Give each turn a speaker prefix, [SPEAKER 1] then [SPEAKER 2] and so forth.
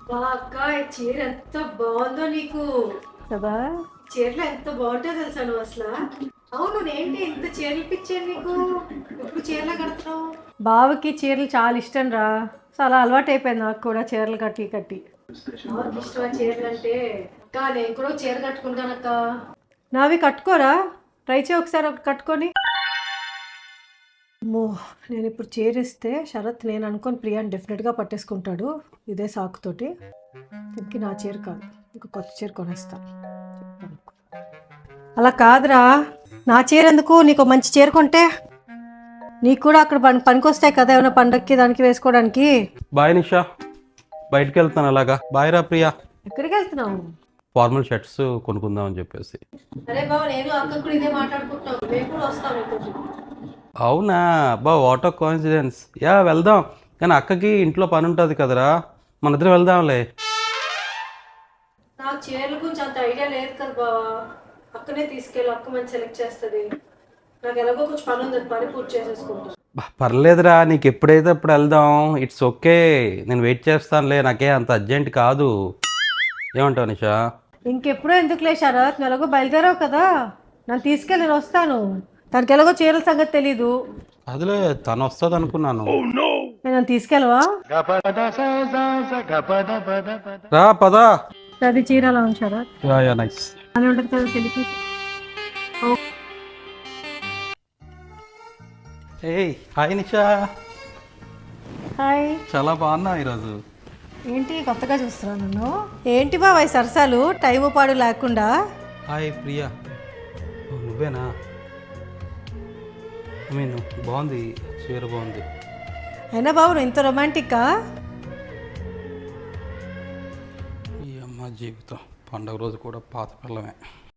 [SPEAKER 1] బా అక్క ఈ చీర ఎంత బాగుందో నీకు.
[SPEAKER 2] కదా.
[SPEAKER 1] చీరలో ఎంత బాగుంటుందో తెలుసా నువ్వు అసలు. అవును ఏంటి ఇంత చీరలు పిచ్చాను నీకు, ఇప్పుడు చీరలు కడుతున్నావు.
[SPEAKER 2] బావకి చీరలు చాలా ఇష్టం రా. చాలా అలవాటు అయిపోయింది నాకు కూడా చీరలు కట్టి కట్టి.
[SPEAKER 1] నాకు ఇష్టమా చీరలు అంటే. అక్క నేను కూడా చీర కట్టుకుంటానక్క.
[SPEAKER 2] నావి కట్టుకోరా, ట్రై చేయి ఒకసారి ఒకటి కట్టుకొని. మో, నేను ఇప్పుడు చీర ఇస్తే శరత్ నేను అనుకొని ప్రియాని డెఫినెట్గా పట్టేసుకుంటాడు ఇదే సాకుతోటి. ఇంక నా చీర కాదు, ఇంక కొత్త చీర కొనేస్తా. అలా కాదురా, నా చీర ఎందుకు, నీకు మంచి చీర కొంటే నీకు కూడా అక్కడ పనికొస్తాయి కదా, ఏమైనా పండక్కి దానికి వేసుకోవడానికి.
[SPEAKER 3] బాయ్ నిషా, బయటికి వెళ్తాను అలాగా. బాయ్ రా ప్రియా.
[SPEAKER 2] ఎక్కడికి వెళ్తున్నావు?
[SPEAKER 3] ఫార్మల్ షర్ట్స్ కొనుక్కుందాం అని చెప్పేసి.
[SPEAKER 1] అరే బావ నేను అక్క కూడా ఇదే మాట్లాడుకుంటున్నాం, మేము కూడా వస్తాం మీతోటి.
[SPEAKER 3] అవునా బా, వాట్ ఆఫ్ కోఇన్సిడెన్స్. యా వెళ్దాం, కానీ అక్కకి ఇంట్లో పని ఉంటుంది కదరా, మన ఇద్దరం వెళ్దాంలే.
[SPEAKER 1] నాకు చీరల గురించి అంత ఐడియా లేదు కదా బావా. అక్కనే తీసుకెళ్ళి అక్క మంచి సెలెక్ట్ చేస్తుంది. నాకు ఎలాగో కొంచెం పని ఉంది, పని పూర్తి చేసేసుకుంటాను.
[SPEAKER 3] పర్లేదురా, నీకు ఎప్పుడైతే అప్పుడు వెళ్దాం. ఇట్స్ ఓకే, నేను వెయిట్ చేస్తానులే, నాకే అంత అర్జెంట్ కాదు. ఏమంటావు నిషా?
[SPEAKER 2] ఇంకెప్పుడో ఎందుకులే శరత్, నువ్వు ఎలాగో బయలుదేరావు కదా, నన్ను తీసుకెళ్ళి నేను వస్తాను. తనకి ఎలాగో చీరల సంగతి తెలీదు.
[SPEAKER 3] అదిలే, తను వస్తుంది అనుకున్నాను.
[SPEAKER 2] నేను నన్ను తీసుకెళ్ళవా?
[SPEAKER 3] రా పదా.
[SPEAKER 2] అది చీర అలా ఉంది శరత్,
[SPEAKER 3] యా యా నైస్.
[SPEAKER 2] అని ఉంటుంది కదా తెలిపి.
[SPEAKER 3] ఏయ్ హాయ్ నిషా.
[SPEAKER 2] హాయ్.
[SPEAKER 3] చాలా బాగున్నా ఈరోజు.
[SPEAKER 2] ఏంటి కొత్తగా చూస్తున్నాను నన్ను? ఏంటి బాబాయ్ సరసాలు టైము పాడు లేకుండా?
[SPEAKER 3] హాయ్ ప్రియా. ఓ, నువ్వేనా? ఐ మీన్ బాగుంది, చీర బాగుంది.
[SPEAKER 2] అయినా బాబు నువ్వు ఇంత రొమాంటిక్కా?
[SPEAKER 3] ఈ అమ్మ జీవితం, పండగ రోజు కూడా పాత పిల్లమే.